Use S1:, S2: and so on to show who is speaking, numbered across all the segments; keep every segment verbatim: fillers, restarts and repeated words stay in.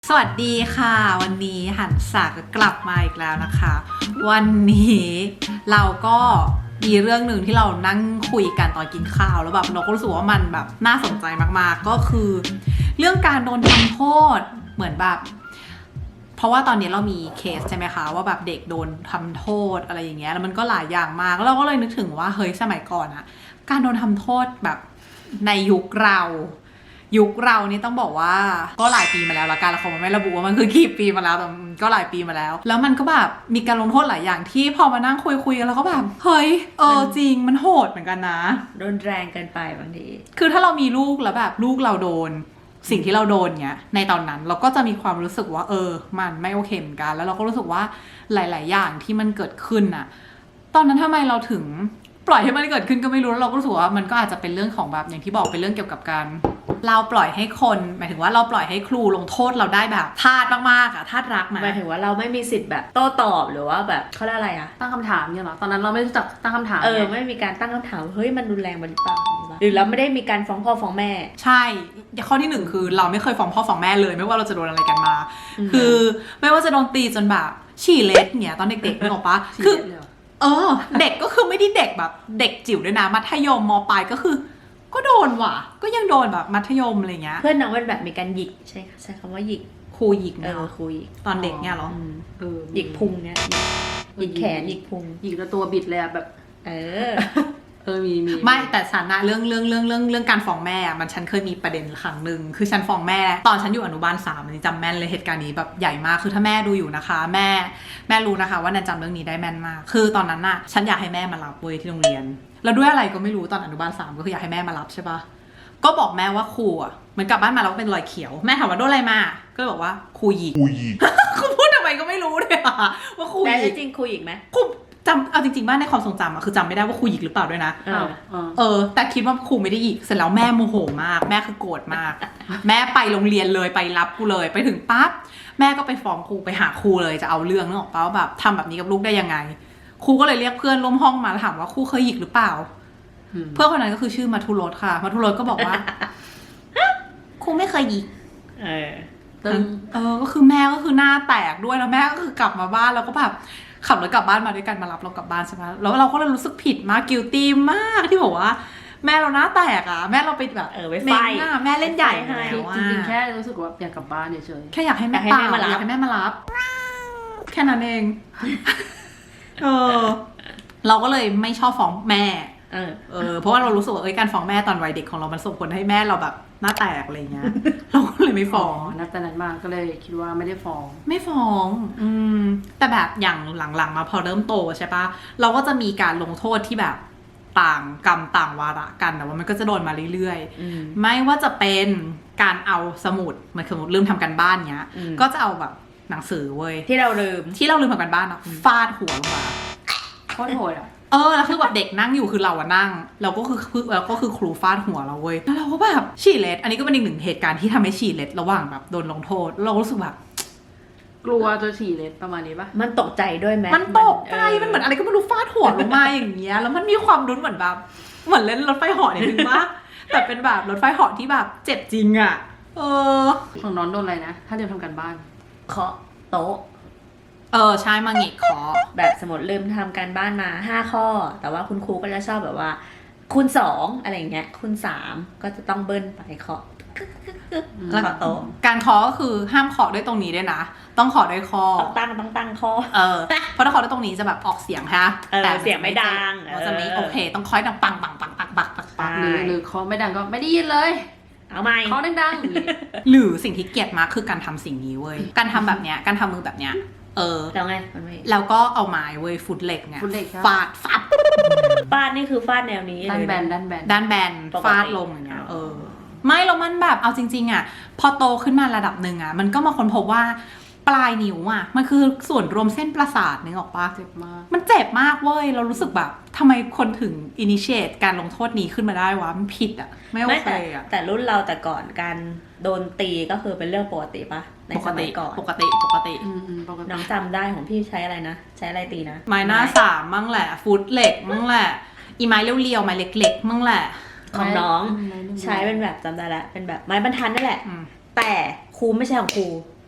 S1: สวัสดีค่ะวันนี้หันษาก็กลับมาอีกแล้วนะคะ วันนี้เราก็มีเรื่องหนึ่งที่เรานั่งคุยกันตอนกินข้าวแล้วแบบเราก็รู้สึกว่ามันแบบน่าสนใจมากๆก็คือเรื่องการโดนทำโทษเหมือนแบบเพราะว่าตอนนี้เรามีเคสใช่ไหมคะว่าแบบเด็กโดนทำโทษอะไรอย่างเงี้ยแล้วมันก็หลายอย่างมากแล้วเราก็เลยนึกถึงว่าเฮ้ยสมัยก่อนอะการโดนทำโทษแบบในยุคเรายุคเรานี่ต้องบอกว่าก็หลายปีมาแล้วละกันแล้วเขาไม่ระบุว่ามันคือกี่ปีมาแล้วแต่ก็หลายปีมาแล้วแล้วมันก็แบบมีการลงโทษหลายอย่างที่พอมานั่งคุยคุยกันแล้วก็แบบเฮ้ยเออจริงมันโหดเหมือนกันนะ
S2: โดนแรงเกินไปบางที
S1: คือถ้าเรามีลูกแล้วแบบลูกเราโดนสิ่งที่เราโดนเนี้ยในตอนนั้นเราก็จะมีความรู้สึกว่าเออมันไม่โอเคเหมือนกันแล้วเราก็รู้สึกว่าหลายๆอย่างที่มันเกิดขึ้นอะตอนนั้นทำไมเราถึงปล่อยให้มันเกิดขึ้นก็ไม่รู้แล้วเราก็รู้สึกว่ามันก็อาจจะเป็นเรื่องของแบบอย่างที่บอกเป็นเรื่องเกี่ยวกับการเราปล่อยให้คนหมายถึงว่าเราปล่อยให้ครูลงโทษเราได้แบบทาสมากๆอะทาสรักนะ
S2: หมายถึงว่าเราไม่มีสิทธิ์แบบโต้ตอบหรือว่าแบบเขาเรียกอะไรอะ
S3: ตั้งคำถามเนี่ยหรอตอนนั้นเราไม่รู้จักตั้งคำถาม
S2: เออไม่มีการตั้งคำถามเฮ้ยมันรุนแรงไปหรือเปล่าหรือเราไม่ได้มีการฟ้องพ่อฟ้องแม่
S1: ใช่ข้อที่หนึ่งคือเราไม่เคยฟ้องพ่อฟ้องแม่เลยไม่ว่าเราจะโดนอะไรกันมาคือไม่ว่าจะโดนตีจนแบบฉี่เล็ดเนี่ยตอนเด็กๆนึกออกปะคือเออเด็กก็คือไม่ได้เด็กแบบเด็กจิ๋วด้วยนะมัธยมมปลายก็คือก็โดนว่ะก็ยังโดนแบบมัธยมอะไรเงี้ย
S2: เพื่อนน้องมันแบบมีการหยิกใช่ใช้คำว่าหยิก
S1: ครูหยิก
S2: เออครูหยิก
S1: ตอนเด็กเนี่ยหรอ
S2: เออหยิกพุงเนี่ยหยิกแขนหยิกพุง
S3: หยิกแล้วตัวบิดเลยอะแบบ
S2: เออ
S3: เออมีมี
S1: ไม่แต่ฉันนะเรื่องเรื่องเรื่องเรื่องเรื่องการฟ้องแม่มันฉันเคยมีประเด็นครั้งหนึ่งคือฉันฟ้องแม่ตอนฉันอยู่อนุบาลสามอันนี้จำแม่นเลยเหตุการณ์นี้แบบใหญ่มากคือถ้าแม่ดูอยู่นะคะแม่แม่รู้นะคะว่านันจำเรื่องนี้ได้แม่นมากคือตอนนั้นน่ะฉันอยากให้แม่มารับเว้ยที่โรงเรียนแล้วด้วยอะไรก็ไม่รู้ตอนอนุบาลสามก็คืออยากให้แม่มารับใช่ปะก็บอกแม่ว่าครูอ่ะเหมือนกลับบ้านมาแล้วเป็นรอยเขียวแม่ถามว่าโดนอะไรมาก็เลยบอกว่าครูหยิกครูหยิกคือพูดทำไมก็ไม่รู้เลยอะว่าครูหยิก
S2: แต่จริงครูหยิกไหม
S1: ครูจำเอาจริงๆบ้านในความทรงจำอะคือจำไม่ได้ว่าครูหยิกหรือเปล่าด้วยนะ
S2: เออ
S1: เออแต่คิดว่าครูไม่ได้หยิกเสร็จแล้วแม่โมโหมากแม่คือโกรธมากแม่ไปโรงเรียนเลยไปรับกูเลยไปถึงปั๊บแม่ก็ไปฟ้องครูไปหาครูเลยจะเอาเรื่องนึกออกป่ะว่าแบบทำแบบนี้กับลูกได้ยังไงครูก็เลยเรียกเพื่อนร่วมห้องมาแล้วถามว่าครูเคยหยิกหรือเปล่าเพื่อนคนนั้นก็คือชื่อมัทุรสค่ะมัทุรสก็บอกว่าครูไม่เคยหยิก
S2: เออ
S1: เออก็คือแม่ก็คือหน้าแตกด้วยแล้วแม่ก็คือกลับมาบ้านแล้วก็แบบขับรถกลับบ้านมาด้วยกันมารับเรากลับบ้านใช่ไหมแล้วเราก็เลยรู้สึกผิดมากกิลตี้มากที่บอกว่าแม่เราหน้าแตกอ่ะแม่เราไปแบบ
S2: เออไป
S1: ไฟหน้าแม่เล่นใหญ่แล้ว
S3: จริงๆแค่รู้สึกว่าอยากกลับบ้านเฉย
S1: ๆแค่อยากให้แม่มารับอยากให้แม่มารับแค่นั้นเองเออเราก็เลยไม่ชอบฟ้องแม่
S2: เออ
S1: เออเพราะว่าเรารู้สึกว่าเอ้ยการฟ้องแม่ตอนวัยเด็กของเรามันส่งผลให้แม่เราแบบหน้าแตกอะไรเงี้ยเราก็เลยไม่ฟ้อง
S3: นับแต่นั้นมาก็เลยคิดว่าไม่ได้ฟ้อง
S1: ไม่ฟ้องอืมแต่แบบอย่างหลังๆมาพอเริ่มโตใช่ปะเราก็จะมีการลงโทษที่แบบต่างกรรมต่างวาระกันแต่ว่ามันก็จะโดนมาเรื่อยๆไม่ว่าจะเป็นการเอาสมุดมันสมมติลืมทำกันบ้านเงี้ยก็จะเอาแบบหนังสือเว้ย
S2: ที่เราลืม
S1: ที่เราลืมทำกันบ้านอะฟาดหัวลงมา
S3: โคตรโหดอ่ะ
S1: เออแล้วคือแบบเด็กนั่งอยู่คือเราอะนั่งเราก็คือคือเราก็คือครูฟาดหัวเราเว้ยแล้วเราก็แบบฉี่เล็ดอันนี้ก็เป็นอีกหนึ่งเหตุการณ์ที่ทำให้ฉี่เล็ดระหว่างแบบโดนลงโทษเรารู้สึกแบบ
S3: กลัวจะฉี่เล็ดประมาณนี้ปะ
S2: มันตกใจด้วยไหม
S1: มันตกใจมันเหมือนอะไรก็ไม่รู้ฟาดหัวลงมาอย่างเงี้ยแล้วมันมีความรุนเหมือนแบบเหมือนเล่นรถไฟเหาะนิดนึงปะแต่เป็นแบบรถไฟเหาะที่แบบเจ็บจริงอะเออ
S3: ของน้องโดนอะไรนะถ้าเดี๋ยวทำกันบ้าน
S2: เคาะโต๊ะ
S1: เออใช่มาหงิกคอ
S2: แบบสมมติลืมทำการบ้านมาห้าข้อแต่ว่าคุณครูก็จะชอบแบบว่าคูณสองอะไรเงี้ยคูณสามก็จะต้องเบิ้ลไปเคาะ
S1: แล้วก็โต๊ะการเคาะก็คือห้ามเคาะด้วยตรงนี้ด้วยนะต้องเคาะด้วยคอ
S2: ต้องตั้งต้องตั้งคอ
S1: เออเพราะถ้าเคาะด้วยตรงนี้จะแบบออกเสียงฮะ
S2: แต่เสียงไม่ดัง
S1: มันจะไม่โอเคต้องเคาะดังปังปังปังปังปังปังปัง
S3: หรือหรือเคาะไม่ดังก็ไม่ได้ยินเลย
S2: เอาไหม
S3: เคาะดัง
S1: ๆหรือสิ่งที่เกลียดมากคือการทำสิ่งนี้เว้ยการทำแบบเนี้ยการทำมือแบบเนี้ยเออ
S2: แล้วไงมันไม่
S1: แล้วก็เอาไม้เว้ยฟุตเหล็กเนี่ยฟาดฟาด
S2: ฟาดนี่คือฟาดแนวนี้
S3: ด้านแบนด้านแบน
S1: ด้านแบนฟาดลงอย่างเงี้ยเออไม่แล้วมันแบบเอาจริงๆอ่ะพอโตขึ้นมาระดับหนึ่งอ่ะมันก็มาค้นพบว่าปลายนิ้วอ่ะมันคือส่วนรวมเส้นประสาทนึกออกปะ
S3: เจ็บมาก
S1: มันเจ็บมากเว้ยเรารู้สึกแบบทำไมคนถึงอินิเชตการลงโทษนี้ขึ้นมาได้วะมันผิดอ่ะไม่โอเคอ่ะ
S2: แต่รุ่นเราแต่ก่อนการโดนตีก็คือเป็นเรื่องปกติปะในสมัยก่อน
S1: ปกติปกติ
S2: น้องจำได้ของพี่ใช้อะไรนะใช้อะไรตีนะ
S1: ไม้หน้าสามมั่งแหละฟุตเหล็กมั่งแหละอีไม้เรียวๆไม้เล็กๆมั่งแหละ
S2: ของน้องใช้เป็นแบบจำได้แล้วเป็นแบบไม้บรรทัดนั่นแหละแต่ครูไม่ใช่ของครู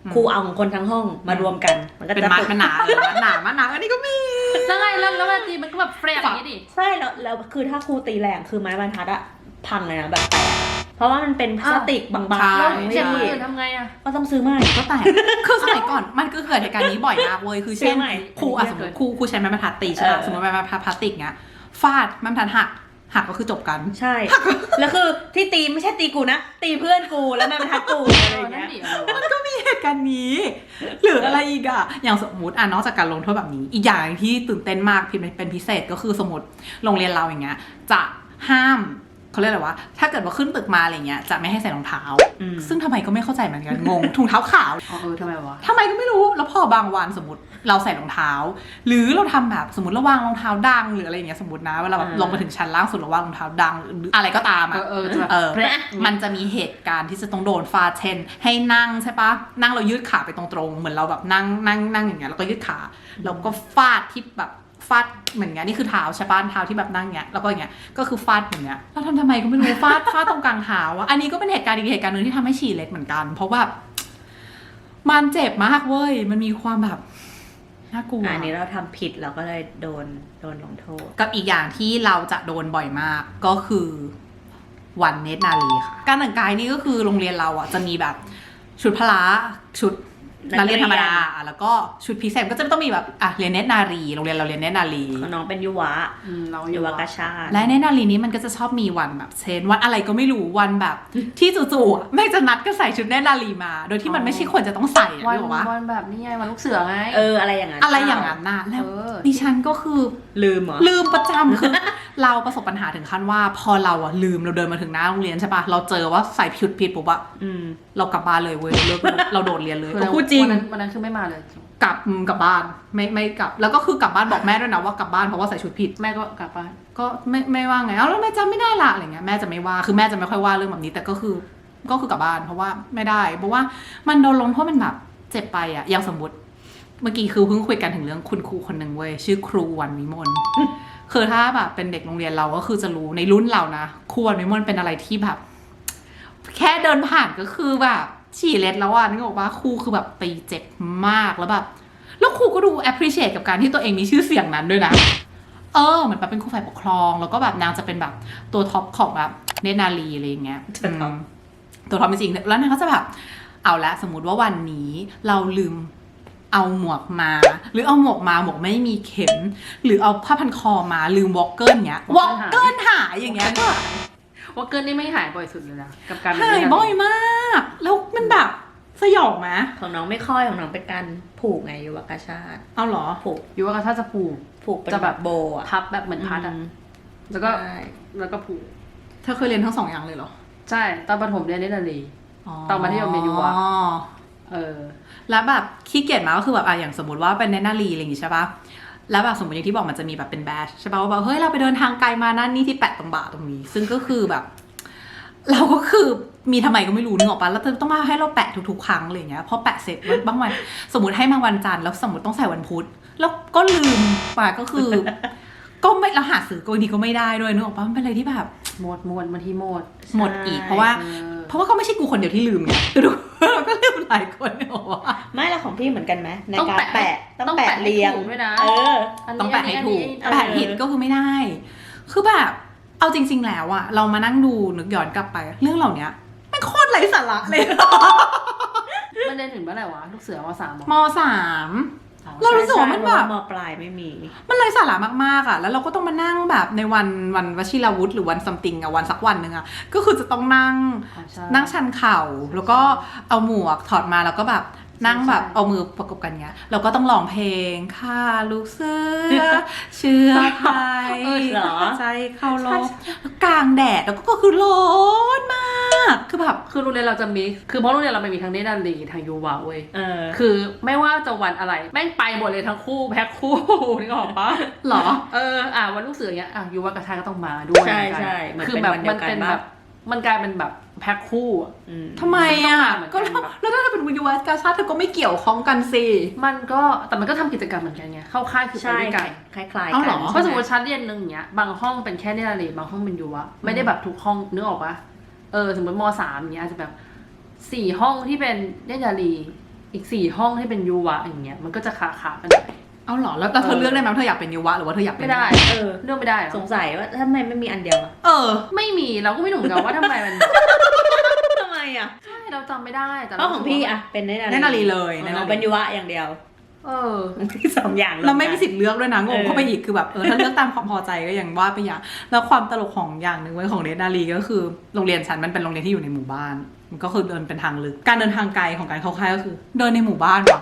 S2: ครูเอาของคนทั้งห้องมารวมกันมันก็
S1: เป็น
S2: จะ
S1: มัดมันหนาเออมัดหนามัดหนาอันนี้ก็มี
S3: แล้วไงแล้วแล้วเวลาตีมันก็แบบเฟรมอย่างนี้ดิ
S2: ใช่แล้วแล้วคือถ้าครูตีแรงคือไม้บรรทัดอะพังเลยนะแบบแตกเพราะว่ามันเป็นพลาสติกบางๆ
S3: แล้ว
S2: ไม่
S3: เจ็บมือ
S2: ดี
S3: อื่นทำไงอะ
S2: ก็ต้องซื้อใหม่
S1: ก็แต่คือสมัยก่อนมันก็เกิดเหตุการณ์นี้บ่อยมากเว้ยคือเช่น
S2: ใช่ไหม
S1: ครูอ่ะสมมติครูครูใช้ไม้บรรทัดตีใช่ไหม
S2: เออ
S1: สมมติไม้บรรทัดพลาสติกเงี้ยฟาดไม้บรรทัดหักหักก็คือจบกัน
S2: ใช่ แล้วคือที่ตีไม่ใช่ตีกูนะ ตีเพื่อนกูแล้วมันบรรทัดกูอะไรอย่าง
S3: นั่
S2: เงี้
S3: น
S2: ย
S3: ดิอะไรวะ
S1: มันก็มีเหตุการณ์นี้ หรืออะไรอีกอะอย่างสมมติอ่ะนอกจากการลงโทษแบบนี้ อีกอย่างที่ตื่นเต้นมากเป็นพิเศษก็คือสมมติโรงเรียนเราอย่างเงี้ยจะห้ามเขาเรียกอะไรวะถ้าเกิดว่าขึ้นตึกมาอะไรเงี้ยจะไม่ให้ใส่รองเท้า
S2: อืม
S1: ซึ่งทำไมก็ไม่เข้าใจเหมือนกันงงถุงเท้าขาว
S3: อ๋อเออทำไมวะ
S1: ทำไมก็ไม่รู้แล้วพอบางวันสมมติเราใส่รองเท้า หรือเราทำแบบสมมติเราวางรองเท้าดังหรืออะไรอย่างเงี้ยสมมตินะเวลาแบบ
S2: อ่า
S1: ลงมาถึงชั้นล่างสุดเราวางรองเท้าดังหรืออะไรก็ตาม
S3: เอ
S1: อะ
S3: อเออจะแบบ
S1: เออ
S3: แพร่
S1: มันจะมีเหตุการณ์ที่จะต้องโดนฟาดเช่นให้นั่งใช่ปะนั่งเรายืดขาไปตรงๆเหมือนเราแบบนั่งนั่งนั่งอย่างเงี้ยแล้วก็ยืดขาแล้วก็ฟาดที่แบบฟาดเหมือนเงี้ยนี่คือเท้าใช่ปะเท้าที่แบบนั่งเงี้ยแล้วก็อย่างเงี้ยก็คือฟาดอย่างเงี้ยเราทำทำไมก็ไม่รู้ฟาดฟาดตรงกลางเท้าอะอันนี้ก็เป็นเหตุการณ์อีกเหตุการณ์หนึ่งที่ทำให้ฉี่เล็ดเหมือนกัน เพราะว่ามันเจ็บมากเว้ยมันมีความแบบน่ากลัว
S2: อันนี้เราทำผิดเราก็เลยโดนโดนลงโทษ
S1: กับอีกอย่างที่เราจะโดนบ่อยมากก็คือวันเนตรนารีค่ะการแต่งกายนี่ก็คือโรงเรียนเราอ่ะจะมีแบบชุดพละชุดนักเรียนธรรมดาอ่ะแล้วก็ชุดพิเศษก็จะต้องมีแบบอ่ะเรียนเนตรนารีโรงเรียนเราเรียนเนตรนารี
S2: ของน้องเป็นยุวะ
S3: อืมเราอ
S2: ยุ
S3: ยู่
S2: ว
S3: วะ
S2: กชาติ
S1: และเนตรนารีนี้มันก็จะชอบมีวันแบบเช่นวันอะไรก็ไม่รู้วันแบบที่จู่ๆอ่ะแม่งจะนัดก็ใส่ชุดเนตรนารีมา โดยที่มันไม่ใช่ควรจะต้องใส่อ่ะ
S3: วัน
S1: นึกออกปะ
S3: วันแบบนี้ไงวันลูกเสือไง
S2: เอออะไรอย่างนั้น
S1: อะไรอย่างนั้นน่ะแล้ว
S3: เออ
S1: ดิฉันก็คือ
S2: ลืมเหรอ
S1: ลืมประจำคือ เราประสบปัญหาถึงขั้นว่า พอเราอะลืมเราเดินมาถึงหน้าโรงเรียนใช่ปะเราเจอว่าใส่ชุดผิดปุ๊บอะ
S2: อืม
S1: เรากลับบ้านเลยเว้ยเราเลิกเราโดดเรียนเลย
S3: คือ
S1: ก็พูดจริง
S3: วันนั้นวันนั้นคือไม่มาเลย
S1: กลับอืมกลับบ้านไม่ไม่กลับ แล้วก็คือกลับบ้านบอกแม่ด้วยนะว่ากลับบ้านเพราะว่าใส่ชุดผิด
S3: แม่ก็กลับบ้าน
S1: ก็ไม่ไม่ว่าไงเอ้าแล้วแม่จำไม่ได้ละอะไรเงี้ยแม่จะไม่ว่าคือแม่จะไม่ค่อยว่าเรื่องแบบนี้ แต่ก็คือก็คือกลับบ้านเพราะว่าไม่ได้ เพราะว่ามันโดนลงโทษมันแบบเจ็บไปอะอย่างสมมติเมื่อกี้คือเพิ่งคุยกันถึงเรื่องคุณครูคนหนึ่งเว้ยชื่อครูวันวิมล คือถ้าแบบเป็นเด็กโรงเรียนเราก็คือจะรู้ในรุ่นเรานะครูวันวิมลเป็นอะไรที่แบบ แค่เดินผ่านก็คือแบบฉี่เล็ดแล้วอ่ะนึกออกว่าครูคือแบบตีเจ็บมากแล้วแบบแล้วครูก็ดู appreciate กับการที่ตัวเองมีชื่อเสียงนั้นด้วยนะเออเหมือนแบบเป็นครูฝ่ายปกครองแล้วก็แบบนางจะเป็นแบบตัวท็อปของแบบเนตรนารีอะไรอย่างเงี้ย
S2: ตัวท็อป
S1: อืมตัวท็อปจริงๆแล้วนางก็จะแบบเอาละสมมุติว่าวันนี้เราลืมเอาหมวกมา หรือเอาหมวกมาหมวกไม่มีเข็ม หรือเอาผ้าพันคอมาลืมวอลเกิลเงี้ยวอลเกิลหายอย่างเงี้ยก็
S3: ว่าเกินนี่ไม่หายบ่อยสุดเลยนะกับการ
S1: หายบ่อยมาก แล้วมันแบบสยองไหม
S2: ของน้องไม่ค่อยของน้องเป็นการผูกไงยุวกชาติ
S1: เอาเหรอ
S2: ผูก
S3: อยู่ว่าถ้าจะผูก
S2: ผูกเป็น
S3: จะ
S2: แบ
S3: แบบ บ
S2: โบอ่ะ
S3: พับแบบเหมือนพัดอ่ะ
S2: อืม
S3: แล้วก็
S2: ใช่
S3: แล้วก็ผูก
S1: เธอเคยเรียนทั้งสองอย่างเลยเหรอ
S3: ใช่ตอนประถมเรียนเนตรนารี
S1: อ๋อ
S3: ตอนมัธยมเรียนยุวะ เออ
S1: แล้วแบบขี้เกียจมาก็คือแบบอ่ะอย่างสมมติว่าเป็นเนตรนารีอะไรอย่างงี้ใช่ปะแล้วแบบสมมติอย่างที่บอกมันจะมีแบบเป็นแบชใช่ปะว่าแบบเฮ้ยเราไปเดินทางไกลมานั่นนี่ที่แปะตรงบ่าตรงนี้ ซึ่งก็คือแบบ เราก็คือมีทำไมก็ไม่รู้นึกออกปะแล้วต้องมาให้เราแปะทุกๆครั้งอะไรอย่างเงี้ยพอแปะเสร็จบางวันสมมติให้มาวันจันทร์แล้วสมมติต้องใส่วันพุธแล้วก็ลืมไปก็คือ ก็ไม่เราหาซื้อก็บางทีก็ไม่ได้ด้วยนึกออกปะมันเป็นอะไรที่แบบ
S3: หมดหมดบางทีหมด
S1: หมดอีกเพราะว่า
S3: เออ
S1: เพราะว่าก็ไม่ใช่กูคนเดียวที่ลืมไงดูเราก็ลืมหลายคนเนี่ยหรอวะ
S2: ไม่ละของพี่เหมือนกันไหมใน
S3: ต้อง
S2: การ
S3: แปะ
S2: แปะต้องแปะเรียง
S3: ให้ถูกด้วยนะ
S2: เออ
S3: นนี้
S1: ต้องแปะให้ถูก
S3: อันนี้
S1: แปะผิดก็คือไม่ได้ คือแบบ เอาจริง ๆ แล้วอะเรามานั่งดูนึกย้อนกลับไป เรื่องเหล่านี้มันโคตรไร้สาระเลย
S3: มันเรียนถึงเมื่อไหร่วะลูกเสือมสาม
S1: มสามเรารู้สึกว่ามันแบบ
S2: ใช่ๆมปลายไม่มี
S1: มันไร้สาระมากๆอะแล้วเราก็ต้องมานั่งแบบในวันวันวชิรวุฒิหรือวันซัมติงอะวันสักวันหนึ่งอะก็คือจะต้องนั่ง นั่งชันเข่าแล้วก็เอาหมวกถอดมาแล้วก็แบบนั่งแบบ
S3: ใช่
S1: เอามือประกบกันเงี้ยเราก็ต้องร้องเพลงค่ะลูกเสือ เชื่อไทย
S2: เออเหรอ
S1: ใจเข้าลมแล้วกลางแดดแล้วก็คือร้อนมากคือแบบ
S3: คือโรงเรียนเราจะมีคือเพราะโรงเรียนเรามันมีทั้งเนตรนารีทั้งยูวาเว้ย
S2: เออ
S3: คือไม่ว่าจะวันอะไรแม่งไปหมดเลยทั้งคู่แพ็คคู่ นึกออกปะ
S1: หรอ
S3: เอออ่ะวันลูกเสือเนี้ยอ่ะยูวากระชายก็ต้องมาด้วย
S2: ใช่
S3: เหมือนกัน
S2: ใช่เหมือน
S3: คือ
S2: เป็น
S3: แบบ
S2: วันเดี
S3: มั
S2: ย
S3: น
S2: วกัน
S3: เป็น
S2: ปะ
S3: แบบมันกลายเป็นแบบแพ็คคู่อะ
S2: อืม
S1: ทำไมอ่ะ
S3: มันต้
S1: ก็
S3: องมาเหมือนกัน
S1: แล้วถ้าเป็นวิวกาชาติเธอก็ไม่เกี่ยวข้องกันสิ
S3: มันก็แต่มันก็ทำกิจกรรมเหมือนกันไงเข้าค่ายคือไป
S2: ใช่
S3: ด้วยกัน
S2: คล้ายๆ
S1: เอา
S2: กั
S1: เหร
S2: น
S1: อ
S3: เพราะสมมติชั้นเรียนหนึ่งอย่างเงี้ยบางห้องเป็นแค่เนตรนารีบางห้องเป็นยูวะไม่ได้แบบทุกห้องนึกออกปะเออสมมติมสามอย่างเงี้ยอาจจะแบบสี่ห้องที่เป็นเนตรนารีอีกสี่ห้องที่เป็นยูวะอย่างเงี้ยมันก็จะขาขากันไป
S1: เอาเหรอแล้วแต่เธอเลือกได้ไหมว่าเธออยากเป็นยุวะหรือว่าเธออยากเป็น
S3: ไม่ได้
S2: เออ
S3: เลือกไม่ได้หรอ
S2: สงสัยว่าทำไมไม่มีอันเดียวอะ
S1: เออ
S3: ไม่มีเราก็ไม่รู้เหมือนกันว่าทำไมมัน
S2: ทำไมอะ
S3: ใช่เราจำไม่ได้แต่
S2: เพราะของพี่อะเป็นเนตรนารี
S1: เนตรนารีเลย
S2: อ๋อ
S1: เนตรนารี
S2: เป็นยุวะอย่างเดียว
S3: เออ
S2: สองอย่าง
S1: เราไม่มีสิทธิ์เลือกด้วยนะงง
S2: เออ
S1: เข้าไปอีกคือแบบเออถ้าเลือกตามความพอใจก็ยังว่าไปอย่างแล้วความตลกของอย่างหนึ่งไว้ของเนตรนารีก็คือโรงเรียนฉันมันเป็นโรงเรียนที่อยู่ในหมู่บ้านมันก็คือเดินเป็นทางลึกการเดินทางไกลของการเข้าค่ายก็คือ เดินในหมู่บ้านว่ะ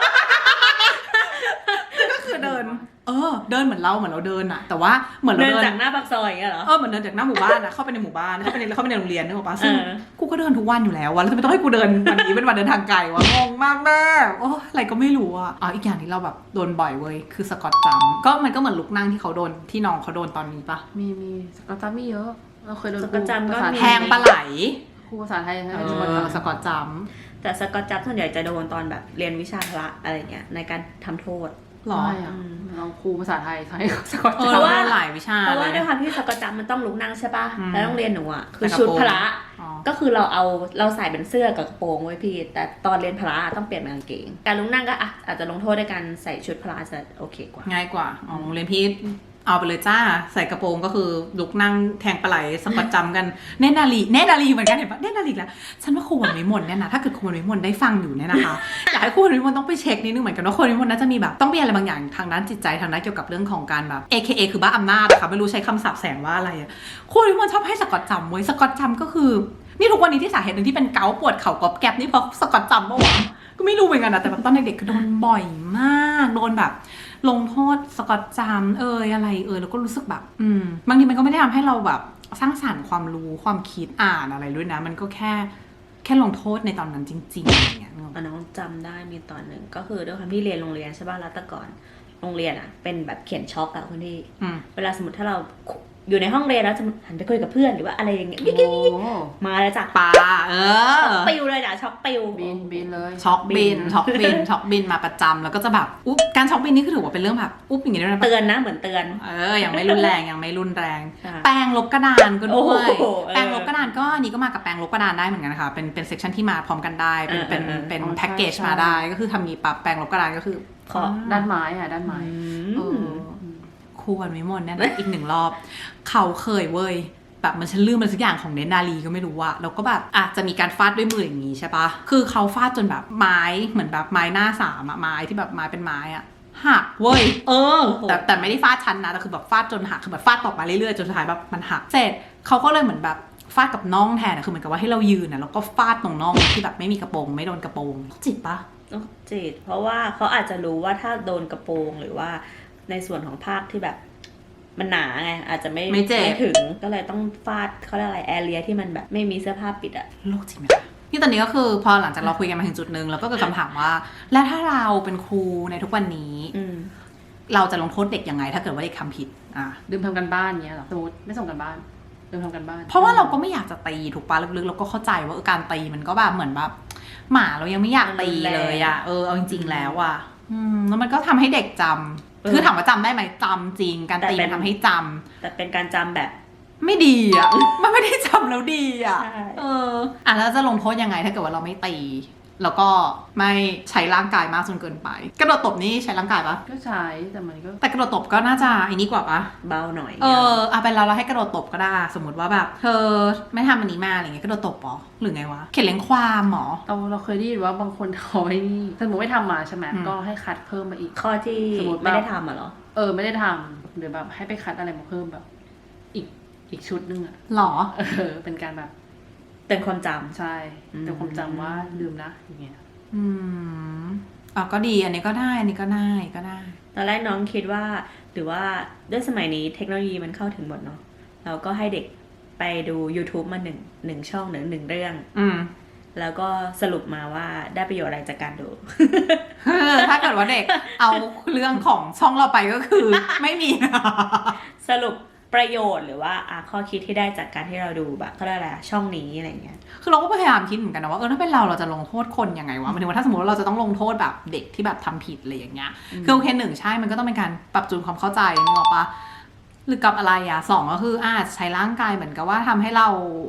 S1: ก็คือเดิน เออ เดินเหมือนเราเหมือนเราเดินอะแต่ว่าเหมือนเรา
S2: เดิน
S1: เดิน
S2: จากหน้าปากซอยอย่างเงี้ยเหรอ
S1: เออเหมือนเดินจากหน้าหมู่บ้านอะเข้าไปในหมู่บ้านเข้าไปในเข้าไปในโรงเรียนนึกออกปะซึ่ง
S2: เออ
S1: กูก็เดินทุกวันอยู่แล้ววะแล้วทำไมต้องให้กูเดินวันนี้เป็นวันเดินทางไกลวะงงมากแม่โอ้อะไรก็ไม่รู้อะอ๋ออีกอย่างที่เราแบบโดนบ่อยเว้ยคือสกอตจัมป์ก็มันก็เหมือนลุกนั่งที่เขาโดนที่น้องเขาโดนตอนนี้ปะ
S3: มีมีสกอตจัมป์มีเยอะเราเคยโดน
S2: สกอตจัมป์ก็
S3: ภาษา
S2: มี
S1: แทงปลาไหล
S3: ครูภาษาไทยใช่
S1: เอ
S3: ไหม
S1: อสกอตจัมป์
S2: แต่สกอตจับส่วนใหญ่จะโดนตอนแบบเรียนวิชาพละอะไรเงี้ยในการทำโทษ
S1: หรอ
S3: ใช่อะเราครูภาษาไทยใช้สกอต
S1: เออ
S3: จัม
S1: เรา
S3: ป์
S2: ว่า
S1: โดนหลายวิชา
S2: เพราะว่า
S1: เล
S2: ด้วย
S1: ย
S2: ความที่สกอตจับมันต้องลุกนั่งใช่ปะ
S1: อืม
S2: แล้วโรงเรียนหนูอ่ะคือ
S1: แต่กระ
S2: ชุด
S1: โปรง
S2: พละ
S1: อ๋อ
S2: ก็คือเราเอาเราใส่เป็นเสื้อกับกระโปรงไว้พี่ แต่ตอนเรียนพละต้องเปลี่ยนเป็นกางเกงการลุกนั่งก็อ่ะอาจจะลงโทษด้วยการใส่ชุดพละจะโอเคกว่า
S1: ง่ายกว่าอ๋อโรงเรียนพี่เอาไปเลยจ้าใส่กระโปรงก็คือลุกนั่งแทงปลาไหลสกอตจัมป์กันเนตรนารีเนตรนารีเหมือนกันเห็นปะเนตรนารีแล้วฉันว่าครูวันวิมลเนี่ยนะถ้าเกิดครูวันวิมลได้ฟังอยู่เนี่ยนะคะ อยากให้ครูวันวิมลต้องไปเช็คนิดนึงเหมือนกันว่าครูวันวิมลน่าจะมีแบบต้องมีอะไรบางอย่างทางด้านจิตใจทางด้านเกี่ยวกับเรื่องของการแบบ เอ เค เอ คือบ้าอำนาจนะคะไม่รู้ใช้คำศัพท์แสงว่าอะไรอะครูวันวิมลชอบให้สกอตจัมป์เว้ยสกอตจัมป์ก็คือนี่ทุกวันนี้ที่สาเหตุหนึ่งที่เป็นเกาต์ปวดเข่ากรอบแกรบนี่เพราะสกอตจัมป์ปะวะก็ไม่รู้เหมือนกันนะแต่แบบตอนเด็กๆคือโดนบ่อยมากโดนแบบลงโทษสกอตจัมป์เอยอะไรเอยแล้วก็รู้สึกแบบอืมบางทีมันก็ไม่ได้ทำให้เราแบบสร้างสรรค์ความรู้ความคิดอ่านอะไรด้วยนะมันก็แค่แค่ลงโทษในตอนนั้นจริงๆอย่างเงี้ยนึกออกปะ
S2: อ่ะน้องจำได้มีตอนหนึ่งก็คือด้วยความที่เรียนโรงเรียนใช่ป่ะแล้วแต่ก่อนโรงเรียนอ่ะเป็นแบบเขียนช็อกอะคุณที่
S1: อืม
S2: เวลาสมมติถ้าเราอยู่ในห้องเรียนแล้วจะหันไปคุยกับเพื่อนหรือว่าอะไรอย่างเงี้ย
S3: โอ้โห
S2: มาแล้วจ้ะ
S1: ปลาเออ
S2: ปิวเลยจ้ะช็อกปิว
S3: บินบินเลย
S1: ช็อกบินช็อกบินช็อกบินมาประจำแล้วก็จะแบบอุ๊บการช็อกบินนี่คือถือว่าเป็นเรื่องแบบอุ๊บอย่างเงี้ยด้วยนะ
S2: เตือนนะเหมือนเตือน
S1: เออยังไม่รุนแรงยังไม่รุนแรง
S2: ใช่
S1: แปรงลบกระดานก็ด้วย
S2: โอ้โหเออ
S1: แปรงลบกระดานก็อันนี้ก็มากับแปรงลบกระดานได้เหมือนกันนะคะเป็นเป็นเซกชันที่มาพร้อมกันได้เป็นเป็น
S2: เออเออ
S1: เป็น
S3: อ๋อ
S1: แพ็กเกจ
S3: ใช่
S1: มาได้ก็คือทำนี้ปั๊บแปรงลบกระดานก็คือ
S2: ขอ
S3: ด้านไม้อะด้านไม้
S2: อื
S3: เอ
S2: ม
S3: อ
S1: ครูวันวิมลเนี่ยนะอีกหนึ่งรอบ เขาเคยเว้ยแบบมันฉันลืมมันสักอย่างของเนตรนารีก็ไม่รู้ว่าแล้วก็แบบอาจจะมีการฟาดด้วยมืออย่างนี้ใช่ปะคือเขาฟาดจนแบบไม้เหมือนแบบไม้หน้าสามอะไม้ที่แบบไม้เป็นไม้อะหักเว้ยเออแต่แต่ไม่ได้ฟาดชั้นนะแต่คือแบบฟาดจนหักคือแบบฟาดต่อมาเรื่อยๆจนสุดท้ายแบบมันหักเสร็จเขาก็เลยเหมือนแบบฟาดกับน่องแทนอะคือเหมือนกับว่าให้เรายืนอะแล้วก็ฟาดตรงน่องที่แบบไม่มีกระโปรงไม่โดนกระโปรงจิตปะ
S2: ต้องจีดเพราะว่าเขาอาจจะรู้ว่าถ้าโดนกระโปรงหรือว่าในส่วนของภาคที่แบบมันหนาไงอาจจะไม่
S1: ไม่เจ็บ
S2: ถึงก็เลยต้องฟาดเขาเรียกอะไรแอเรียที่มันแบบไม่มีเสื้อผ้าปิดอะ
S1: โลกจริงไหมคะนี่ตอนนี้ก็คือพอหลังจากเราคุยกันมาถึงจุดหนึ่งแล้วก็เกิดคำถามว่า แล้วถ้าเราเป็นครูในทุกวันนี้
S2: อืม
S1: เราจะลงโทษเด็กยังไง ถ้าเกิดว่าเด็กทำผิดอ่ะ
S3: ลืมทำกันบ้านเงี้ยเหรอสมมติไม่ส่งกันบ้านลืมทำกันบ้าน
S1: เพราะว่าเราก็ไม่อยากจะตีถูกปะลึกๆเราก็เข้าใจว่าเออการตีมันก็แบบเหมือนแบบหมาเรายังไม่อยากตีเลยอะเออเอาจริงๆแล้วอะอืมแล้วมันก็ทำให้เด็กจำคือถามว่าจำได้ไหมจำจริง การตีมันทำให้จำ
S2: แต่เป็นการจำแบบ
S1: ไม่ดีอ่ะ มันไม่ได้จำแล้วดีอ่ะ
S2: ใช่
S1: เออ อ่ะแล้วจะลงโทษยังไงถ้าเกิดว่าเราไม่ตี แล้วก็ไม่ใช้ร่างกายมากจนเกินไป กระโดดตบนี่ใช้ร่างกายปะ
S3: ก็ใช้แต่มันก็
S1: แต่กระโดดตบก็น่าจะไอ้นี้กว่าปะ
S2: เบาหน่อย
S1: เออเอาเป็นเราเราให้กระโดดตบก็ได้ สมมติว่าแบบ เธอไม่ทำอันนี้มาอะไรเงี้ยกระโดดตบเหรอหรือไงวะ เขียนเลี้ยงความเหรอ
S3: เราเราเคยได้ยินว่าบางคนเขาไอ้นี่สมมติไม่ทำมาใช่ไหม
S1: อืม
S3: ก็ให้คัดเพิ่มมาอีก
S2: ข้อที่
S3: สมมุติว่า
S2: ไม่ได้ทำอ่ะเหรอ
S3: เออไม่ได้ทำหรือแบบให้ไปคัดอะไรมาเพิ่มแบบ อีกอีกชุดนึงอะ
S1: หรอ
S3: เออเป็นการแบบ
S2: เตือนความจำ
S3: ใช่
S2: อืม
S3: แต่ความจำว่าลืมนะอย่างเงี้ย
S1: อืมอ่ะก็ดี อันนี้ก็ได้ อันนี้ก็ได้ก็ได้
S2: ตอนแรกน้องคิดว่าหรือว่าด้วยสมัยนี้เทคโนโลยีมันเข้าถึงหมดเนาะเราก็ให้เด็กไปดู YouTube มาหนึ่งหนึ่งช่องหนึ่งหนึ่งเรื่อง
S1: อืม
S2: แล้วก็สรุปมาว่าได้ประโยชน์อะไรจากการดู
S1: ถ้าเกิดว่าเด็กเอาเรื่องของช่องเราไปก็คือ ไม่มี
S2: สรุปประโยชน์หรือว่าอ่ะข้อคิดที่ได้จากการที่เราดูแบบเขาเรียกอะไรอะช่องนี้อะไรเงี้ย
S1: คือเราก็พยายามคิดเหมือนกันนะว่าเออถ้าเป็นเราเราจะลงโทษคนยังไงวะหมายถึงว่าถ้าสมมติว่าเราจะต้องลงโทษแบบเด็กที่แบบทำผิดอะไรอย่างเงี้ยคือโอเคหนึ่งใช่มันก็ต้องเป็นการปรับจูนความเข้าใจนึกออกปะหรือกับอะไรอ่ะสองก็คืออาจใช้ร่างกายเหมือนกับว่าทำให้เรา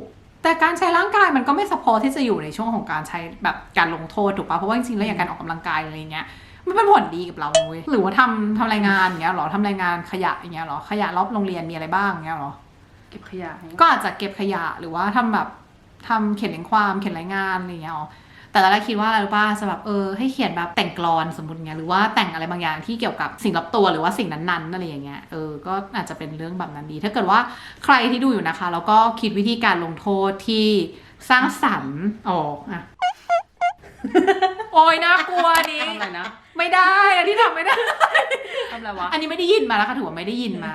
S1: แต่การใช้ร่างกายมันก็ไม่สปอร์ตที่จะอยู่ในช่วงของการใช้แบบการลงโทษถูกปะเพราะว่าจริงๆแล้วอย่างการออกกำลังกายอะไรเงี้ยมันเป็นผลดีกับเราเว้ยหรือว่าทำทำรายงานอย่างเงี้ยหรอทำรายงานขยะอย่างเงี้ยหรอขยะรอบโรงเรียนมีอะไรบ้างอย่างเงี้ยหรอ
S3: เก็บขยะ
S1: ก็อาจจะเก็บขยะหรือว่าทำแบบทำเขียนเรียงความเขียนรายงานอะไรเงี้ยหรอแต่ตอนแรกคิดว่าอะไรรู้ป่ะจะแบบเออให้เขียนแบบแต่งกลอนสมมติเงี้ยหรือว่าแต่งอะไรบางอย่างที่เกี่ยวกับสิ่งรอบตัวหรือว่าสิ่งนั้นๆอะไรอย่างเงี้ยเออก็อาจจะเป็นเรื่องแบบนั้นดีถ้าเกิดว่าใครที่ดูอยู่นะคะแล้วก็คิดวิธีการลงโทษที่สร้างสรรค์ออกอะ โอ้ยน่ากลัวนี้
S3: ทำอะไรนะ
S1: ไม่ได้อันที่ทำไม่ได้
S3: ทำอะไรวะ
S1: อันนี้ไม่ได้ยินมาแล้วค่ะถือว่าไม่ได้ยินมา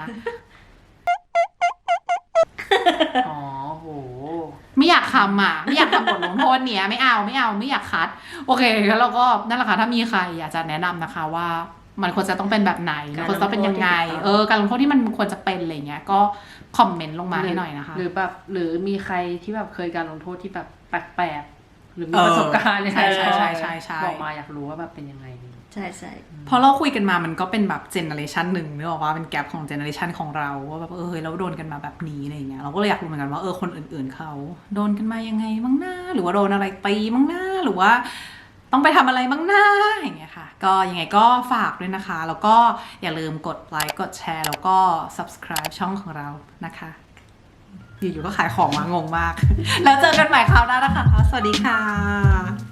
S3: อ๋อโห
S1: ไม่อยากทำอ่ะไม่อยากทำบทลงโทษเนี้ยไม่เอาไม่เอาไม่อยากคัดโอเคแล้วเราก็นั่นแหละค่ะถ้ามีใครอยากจะแนะนำนะคะว่ามันควรจะต้องเป็นแบบไหนมันควรจะต้องเป็นยังไงเออการลงโทษที่มันควรจะเป็นอะไรเงี้ยก็คอมเมนต์ลงมาให้หน่อยนะคะ
S3: หรือแบบหรือมีใครที่แบบเคยการลงโทษที่แบบแปลกๆหรือมีประสบการณ์เนี่ย
S1: ใช่ใช่ใช่ใช่ใช่
S3: บอกมาอยากรู้ว่าแบบเป็นยังไง
S2: ใช่ใช่
S1: พอเราคุยกันมามันก็เป็นแบบเจเนอเรชันหนึ่งนึกออกว่าเป็นแกลบของเจเนอเรชันของเราว่าแบบเออเฮ้ยเราโดนกันมาแบบนี้อะไรเงี้ยเราก็เลยอยากรู้เหมือนกันว่าเออคนอื่นๆเขาโดนกันมายังไงบ้างหน้าหรือว่าโดนอะไรตีบ้างหน้าหรือว่าต้องไปทำอะไรบ้างหน้าอย่างเงี้ยค่ะก็ยังไงก็ฝากด้วยนะคะแล้วก็อย่าลืมกดไลค์กดแชร์แล้วก็ subscribe ช่องของเรานะคะอยู่ๆก็ขายของมางงมาก แล้วเจอกันใหม่คราวหน้านะคะสวัสดีค่ะ